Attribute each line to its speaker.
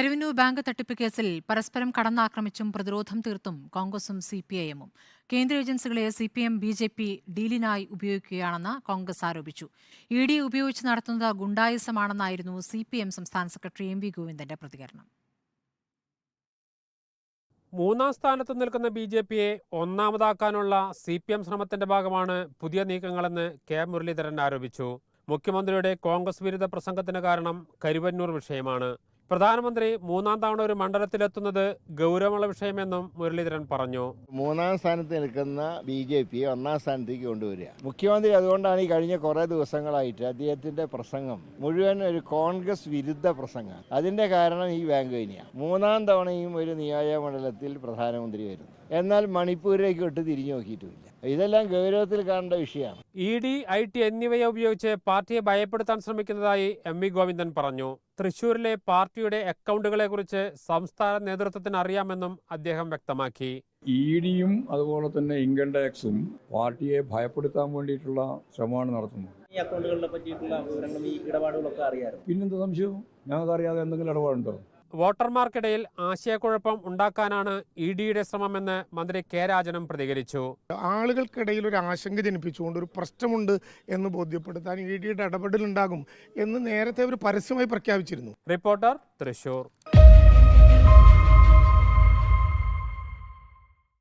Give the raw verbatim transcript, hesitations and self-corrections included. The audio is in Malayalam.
Speaker 1: കരുവന്നൂർ ബാങ്ക് തട്ടിപ്പ് കേസിൽ പരസ്പരം കടന്നാക്രമിച്ചും പ്രതിരോധം തീർത്തും കോൺഗ്രസും സി പി ഐ എമ്മും കേന്ദ്ര ഏജൻസികളെ C P M B J P ഡീലിനായി ഉപയോഗിക്കുകയാണെന്ന് കോൺഗ്രസ് ആരോപിച്ചു. ഇ ഡി ഉപയോഗിച്ച് നടത്തുന്നത് ഗുണ്ടായിസമാണെന്നായിരുന്നു സി പി എം സംസ്ഥാന സെക്രട്ടറി എം വി ഗോവിന്ദന്റെ പ്രതികരണം.
Speaker 2: മൂന്നാം സ്ഥാനത്ത് നിൽക്കുന്ന ബി ജെ പിയെ ഒന്നാമതാക്കാനുള്ള സി പി എം ശ്രമത്തിന്റെ ഭാഗമാണ് പുതിയ നീക്കങ്ങളെന്ന് കെ മുരളീധരൻ ആരോപിച്ചു. മുഖ്യമന്ത്രിയുടെ കോൺഗ്രസ് വിരുദ്ധ പ്രസംഗത്തിന് കാരണം കരുവന്നൂർ വിഷയമാണ്. പ്രധാനമന്ത്രി മൂന്നാം തവണ ഒരു മണ്ഡലത്തിലെത്തുന്നത് ഗൗരവമുള്ള വിഷയമെന്നും മുരളീധരൻ പറഞ്ഞു.
Speaker 3: മൂന്നാം സ്ഥാനത്ത് നിൽക്കുന്ന ബി ജെ പി ഒന്നാം സ്ഥാനത്തേക്ക് കൊണ്ടുവരിക. മുഖ്യമന്ത്രി അതുകൊണ്ടാണ് ഈ കഴിഞ്ഞ കുറേ ദിവസങ്ങളായിട്ട് അദ്ദേഹത്തിന്റെ പ്രസംഗം മുഴുവൻ ഒരു കോൺഗ്രസ് വിരുദ്ധ പ്രസംഗം. അതിന്റെ കാരണം ഈ ബാങ്ക് തന്നെയാണ്. മൂന്നാം തവണയും ഒരു നിയോജക മണ്ഡലത്തിൽ പ്രധാനമന്ത്രി വരുന്നു, എന്നാൽ മണിപ്പൂരിലേക്ക് വിട്ട് തിരിഞ്ഞു നോക്കിയിട്ടുമില്ല. ഇതെല്ലാം ഗൗരവത്തിൽ കാണേണ്ട വിഷയമാണ്.
Speaker 2: ഇ ഡി, ഐ ടി എന്നിവയെ ഉപയോഗിച്ച് പാർട്ടിയെ ഭയപ്പെടുത്താൻ ശ്രമിക്കുന്നതായി എം വി ഗോവിന്ദൻ പറഞ്ഞു. തൃശൂരിലെ പാർട്ടിയുടെ അക്കൗണ്ടുകളെ കുറിച്ച് സംസ്ഥാന നേതൃത്വത്തിന് അറിയാമെന്നും അദ്ദേഹം വ്യക്തമാക്കി.
Speaker 4: ഇ ഡിയും അതുപോലെ തന്നെ ഇൻകം ടാക്സും പാർട്ടിയെ ഭയപ്പെടുത്താൻ വേണ്ടിയിട്ടുള്ള ശ്രമമാണ് നടത്തുന്നത്.
Speaker 5: ഈ അക്കൗണ്ടുകളെ പറ്റിയിട്ടുള്ള വിവരങ്ങളും ഈ ഇടപാടുകളൊക്കെ അറിയാമായിരുന്നു.
Speaker 4: പിന്നെന്താ സംശയം? ഞങ്ങൾക്ക് അറിയാതെ എന്തെങ്കിലും ഇടപാടുണ്ടോ?
Speaker 2: വോട്ടർമാർക്കിടയിൽ ആശയക്കുഴപ്പം ഉണ്ടാക്കാനാണ് ഇ ഡിയുടെ ശ്രമമെന്ന് മന്ത്രി കെ രാജനും പ്രതികരിച്ചു.
Speaker 6: ആളുകൾക്കിടയിൽ ഒരു ആശങ്ക ജനിപ്പിച്ചുകൊണ്ട് ഒരു പ്രശ്നമുണ്ട് എന്ന് ബോധ്യപ്പെടുത്താൻ ഇ ഡിയുടെ ഇടപെടലുണ്ടാകും എന്ന് നേരത്തെ ഒരു പരസ്യമായി പ്രഖ്യാപിച്ചിരുന്നു.
Speaker 2: റിപ്പോർട്ടർ, തൃശൂർ.